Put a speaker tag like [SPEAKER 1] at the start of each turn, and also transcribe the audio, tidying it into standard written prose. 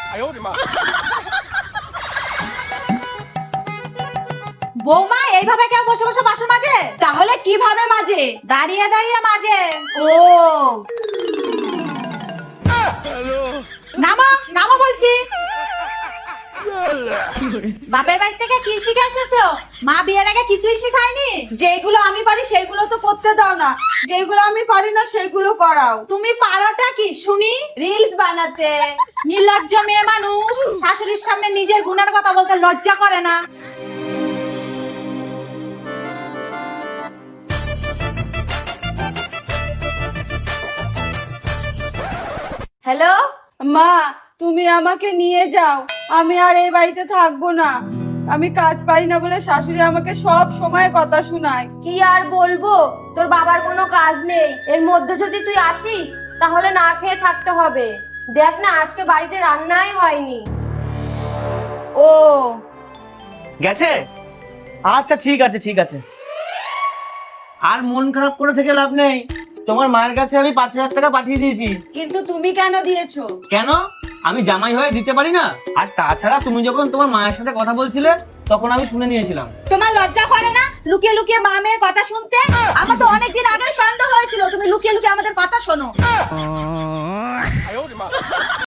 [SPEAKER 1] বৌমা এইভাবে কেউ বসে বসে বাসন মাজে?
[SPEAKER 2] তাহলে কিভাবে মাজে?
[SPEAKER 1] দাঁড়িয়ে দাঁড়িয়ে মাজে।
[SPEAKER 2] ও
[SPEAKER 1] নামো নামো বলছি। বাপের বাড়ি থেকে কি শিখে এসেছো? মা বিয়ের আগে কিছুই শিখায়নি?
[SPEAKER 2] যেগুলো আমি পারি সেগুলো তো করতে দাও না, যেগুলো আমি পারি না সেগুলো করাও।
[SPEAKER 1] তুমি পারোটা কি শুনি?
[SPEAKER 2] রিলস বানাতে।
[SPEAKER 1] নির্লজ্জ মেয়ে মানুষ, শাশুড়ির সামনে নিজের গুণের কথা বলতে লজ্জা করে না?
[SPEAKER 2] হ্যালো মা, তুমি আমাকে নিয়ে যাও, আমি আর এই বাড়িতে থাকবো না। আমি কাজ পাই না বলে শাশুড়ি আমাকে সব সময় কথা শোনায়। কি আর বলবো, তোর বাবার কোনো কাজ নেই, এর মধ্যে যদি তুই আসিস তাহলে না খেয়ে থাকতে হবে। দেখ না আজকে বাড়িতে রান্নাই হয়নি। ও
[SPEAKER 3] গেছে? আচ্ছা ঠিক আছে ঠিক আছে, আর মন খারাপ করে থেকে লাভ নেই। তোমার মায়ের কাছে আমি 5,000 টাকা পাঠিয়ে দিয়েছি।
[SPEAKER 2] কিন্তু তুমি কেন দিয়েছো?
[SPEAKER 3] কেন? আমি জামাই হয়ে দিতে পারি না? আর তাছাড়া তুমি যখন তোমার মায়ের সাথে কথা বলছিলে তখন আমি শুনে নিয়েছিলাম।
[SPEAKER 2] তোমার লজ্জা করে না লুকিয়ে লুকিয়ে মা মেয়ের কথা শুনতে? আমার তো অনেকদিন আগে সন্দেহ হয়েছিল তুমি লুকিয়ে লুকিয়ে আমাদের কথা শোনো।